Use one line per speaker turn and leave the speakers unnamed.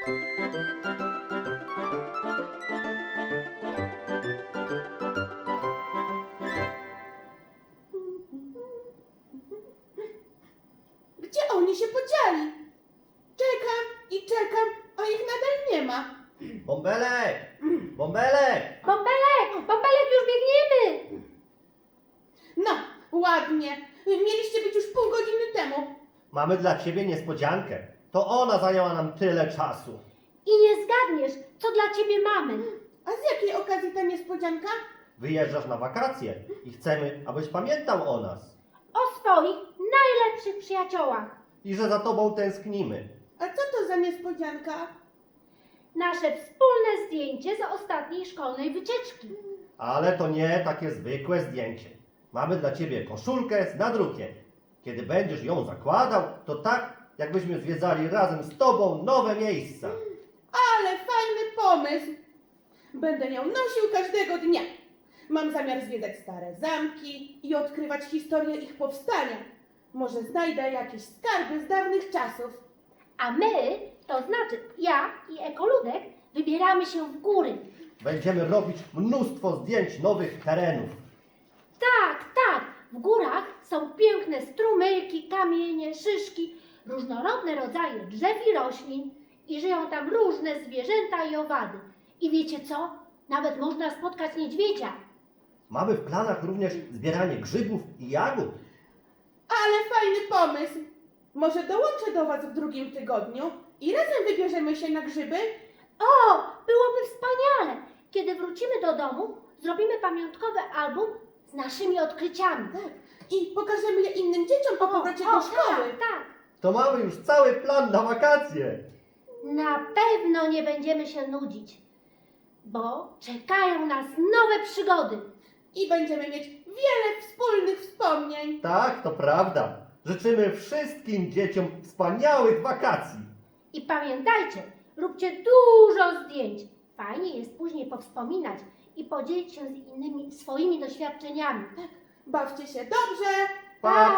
Gdzie oni się podzieli? Czekam i czekam, a ich nadal nie ma.
Bąbelek! Bąbelek!
Bąbelek, już biegniemy!
No, ładnie. Mieliście być już pół godziny temu.
Mamy dla ciebie niespodziankę. To ona zajęła nam tyle czasu.
I nie zgadniesz, co dla ciebie mamy.
A z jakiej okazji ta niespodzianka?
Wyjeżdżasz na wakacje i chcemy, abyś pamiętał o nas.
O swoich najlepszych przyjaciołach.
I że za tobą tęsknimy.
A co to za niespodzianka?
Nasze wspólne zdjęcie z ostatniej szkolnej wycieczki.
Ale to nie takie zwykłe zdjęcie. Mamy dla ciebie koszulkę z nadrukiem. Kiedy będziesz ją zakładał, to tak, jakbyśmy zwiedzali razem z tobą nowe miejsca.
Ale fajny pomysł. Będę ją nosił każdego dnia. Mam zamiar zwiedzać stare zamki i odkrywać historię ich powstania. Może znajdę jakieś skarby z dawnych czasów.
A my, to znaczy ja i Ekoludek, wybieramy się w góry.
Będziemy robić mnóstwo zdjęć nowych terenów.
Tak, tak, w górach są piękne strumyki, kamienie, szyszki, różnorodne rodzaje drzew i roślin i żyją tam różne zwierzęta i owady. I wiecie co? Nawet można spotkać niedźwiedzia.
Mamy w planach również zbieranie grzybów i jagód.
Ale fajny pomysł. Może dołączę do Was w drugim tygodniu i razem wybierzemy się na grzyby?
O, byłoby wspaniale! Kiedy wrócimy do domu, zrobimy pamiątkowy album z naszymi odkryciami.
Tak. I pokażemy je innym dzieciom po powrocie do szkoły.
Tak, tak.
To mamy już cały plan na wakacje.
Na pewno nie będziemy się nudzić, bo czekają nas nowe przygody.
I będziemy mieć wiele wspólnych wspomnień.
Tak, to prawda. Życzymy wszystkim dzieciom wspaniałych wakacji.
I pamiętajcie, róbcie dużo zdjęć. Fajnie jest później powspominać i podzielić się z innymi swoimi doświadczeniami.
Bawcie się dobrze.
Pa!